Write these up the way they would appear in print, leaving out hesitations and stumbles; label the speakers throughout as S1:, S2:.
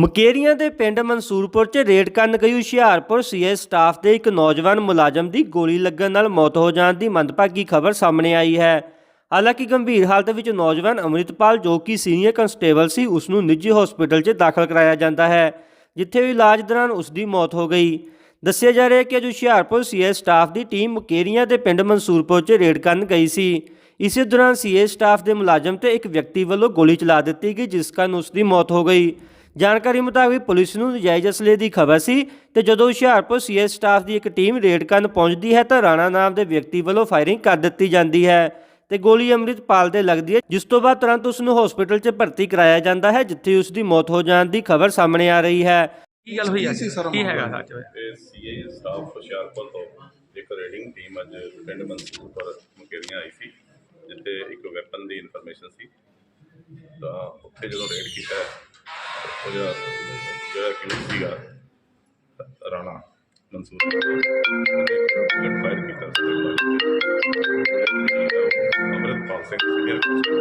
S1: ਮੁਕੇਰੀਆਂ ਦੇ ਪਿੰਡ ਮਨਸੂਰਪੁਰ 'ਚ ਰੇਡ ਕਰਨ ਗਈ ਹੁਸ਼ਿਆਰਪੁਰ ਸੀਏ ਸਟਾਫ ਦੇ ਇੱਕ ਨੌਜਵਾਨ ਮੁਲਾਜ਼ਮ ਦੀ ਗੋਲੀ ਲੱਗਣ ਨਾਲ ਮੌਤ ਹੋ ਜਾਣ ਦੀ ਮੰਦਭਾਗੀ ਖਬਰ ਸਾਹਮਣੇ ਆਈ ਹੈ। ਹਾਲਾਂਕਿ ਗੰਭੀਰ ਹਾਲਤ ਵਿੱਚ ਨੌਜਵਾਨ ਅੰਮ੍ਰਿਤਪਾਲ ਜੋ ਕਿ ਸੀਨੀਅਰ ਕੰਸਟੇਬਲ ਸੀ ਉਸ ਨੂੰ ਨਿੱਜੀ ਹਸਪਤਾਲ 'ਚ ਦਾਖਲ ਕਰਾਇਆ ਜਾਂਦਾ ਹੈ, ਜਿੱਥੇ ਇਲਾਜ ਦੌਰਾਨ ਉਸ ਦੀ ਮੌਤ ਹੋ ਗਈ। ਦੱਸਿਆ ਜਾ ਰਿਹਾ ਹੈ ਕਿ ਅੱਜ ਹੁਸ਼ਿਆਰਪੁਰ ਸੀਏ ਸਟਾਫ ਦੀ ਟੀਮ ਮੁਕੇਰੀਆਂ ਦੇ ਪਿੰਡ ਮਨਸੂਰਪੁਰ 'ਚ ਰੇਡ ਕਰਨ ਗਈ ਸੀ। ਇਸੇ ਦੌਰਾਨ ਸੀਏ ਸਟਾਫ ਦੇ ਮੁਲਾਜ਼ਮ ਤੇ ਇੱਕ ਵਿਅਕਤੀ ਵੱਲੋਂ ਗੋਲੀ ਚਲਾ ਦਿੱਤੀ ਗਈ, ਜਿਸ ਕਾਰਨ ਉਸ ਦੀ ਮੌਤ ਹੋ ਗਈ। ਜਾਣਕਾਰੀ ਮੁਤਾਬਿਕ ਪੁਲਿਸ ਨੂੰ ਨਜਾਇਜ਼ ਅਸਲੇ ਦੀ ਖਬਰ ਸੀ ਤੇ ਜਦੋਂ ਹੁਸ਼ਿਆਰਪੁਰ ਸੀਏ ਸਟਾਫ ਦੀ ਇੱਕ ਟੀਮ ਰੇਡ ਕਰਨ ਪਹੁੰਚਦੀ ਹੈ ਤਾਂ ਰਾਣਾ ਨਾਮ ਦੇ ਵਿਅਕਤੀ ਵੱਲੋਂ ਫਾਇਰਿੰਗ ਕਰ ਦਿੱਤੀ ਜਾਂਦੀ ਹੈ ਤੇ ਗੋਲੀ ਅੰਮ੍ਰਿਤਪਾਲ ਦੇ ਲੱਗਦੀ ਹੈ, ਜਿਸ ਤੋਂ ਬਾਅਦ ਤੁਰੰਤ ਉਸ ਨੂੰ ਹਸਪਤਾਲ 'ਚ ਭਰਤੀ ਕਰਾਇਆ ਜਾਂਦਾ ਹੈ, ਜਿੱਥੇ ਉਸ ਦੀ ਮੌਤ ਹੋ ਜਾਣ ਦੀ ਖਬਰ ਸਾਹਮਣੇ ਆ ਰਹੀ ਹੈ।
S2: ਕੀ ਗੱਲ ਹੋਈ ਅੱਜ? ਕੀ ਹੈਗਾ ਸੱਚ ਹੋਇਆ?
S3: ਇਹ ਸੀਏ ਸਟਾਫ ਹੁਸ਼ਿਆਰਪੁਰ ਤੋਂ ਇੱਕ ਰੇਡਿੰਗ ਟੀਮ ਅੱਜ ਪਿੰਡ ਮਨਸੂਰਪੁਰ ਮੁਕੇਰੀਆਂ ਆਈ ਸੀ, ਜਿੱਥੇ ਇੱਕ ਵੈਪਨ ਦੀ ਇਨਫੋਰਮੇਸ਼ਨ ਸੀ। ਤਾਂ ਉੱਥੇ ਜਦੋਂ ਰੇਡ ਕੀਤਾ ਉਹ ਜਿਹੜਾ ਕਿਊਟ ਸੀਗਾ ਰਾਣਾ ਮਨਸੂਰਪੁਰ ਫਾਇਰ ਕੀਤਾ ਅੰਮ੍ਰਿਤਪਾਲ ਸਿੰਘ ਸੀਨੀਅਰ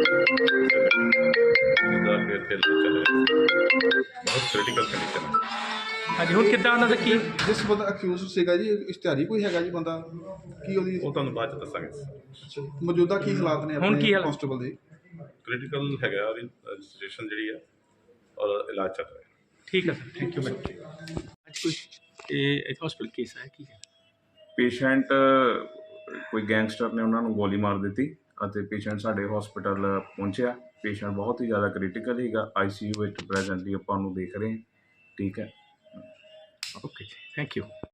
S3: ਜਿਹਦਾ ਕਿ ਇੱਥੇ ਚੱਲ ਰਿਹਾ ਬਹੁਤ ਕ੍ਰਿਟੀਕਲ ਕੰਡੀਸ਼ਨ ਹੈ।
S2: ਹਾਂਜੀ, ਹੁਣ ਕਿੱਦਾਂ ਉਹਨਾਂ ਦਾ ਕੀ
S4: ਜਿਸ ਬੰਦਾ ਅਕਿਊਜ਼ ਸੀਗਾ ਜੀ, ਇਸ਼ਤਿਹਾਰੀ ਕੋਈ ਹੈਗਾ ਜੀ ਬੰਦਾ, ਕੀ ਉਹਦੀ
S3: ਉਹ ਤੁਹਾਨੂੰ ਬਾਅਦ 'ਚ ਦੱਸਾਂਗੇ।
S4: ਮੌਜੂਦਾ ਕੀ ਹਾਲਾਤ ਨੇ
S2: ਹੁਣ ਕੀ ਹਾਲ
S4: ਕਾਂਸਟੇਬਲ ਦੇ?
S3: ਕ੍ਰਿਟੀਕਲ ਹੈਗਾ, ਉਹਦੀ ਰਜਿਸਟ੍ਰੇਸ਼ਨ ਜਿਹੜੀ ਹੈ ਔਰ ਇਲਾਜ ਚੱਲ ਰਿਹਾ।
S2: ਠੀਕ ਹੈ ਸਰ, ਥੈਂਕ ਯੂ ਮੈਡਮ। ਅੱਜ ਕੋਈ ਇਹ ਹਸਪੀਟਲ ਕੇਸ ਹੈ ਕੀ ਹੈ?
S5: ਪੇਸ਼ੈਂਟ ਕੋਈ ਗੈਂਗਸਟਰ ਨੇ ਉਹਨਾਂ ਨੂੰ ਗੋਲੀ ਮਾਰ ਦਿੱਤੀ ਅਤੇ ਪੇਸ਼ੈਂਟ ਸਾਡੇ ਹਸਪੀਟਲ ਪਹੁੰਚਿਆ। ਪੇਸ਼ੈਂਟ ਬਹੁਤ ਹੀ ਜ਼ਿਆਦਾ ਕ੍ਰਿਟੀਕਲ ਸੀਗਾ, ਆਈਸੀਯੂ ਵਿੱਚ ਪ੍ਰੈਜ਼ੈਂਟਲੀ ਆਪਾਂ ਉਹਨੂੰ ਦੇਖ ਰਹੇ ਹਾਂ। ਠੀਕ ਹੈ,
S2: ਓਕੇ, ਥੈਂਕ ਯੂ।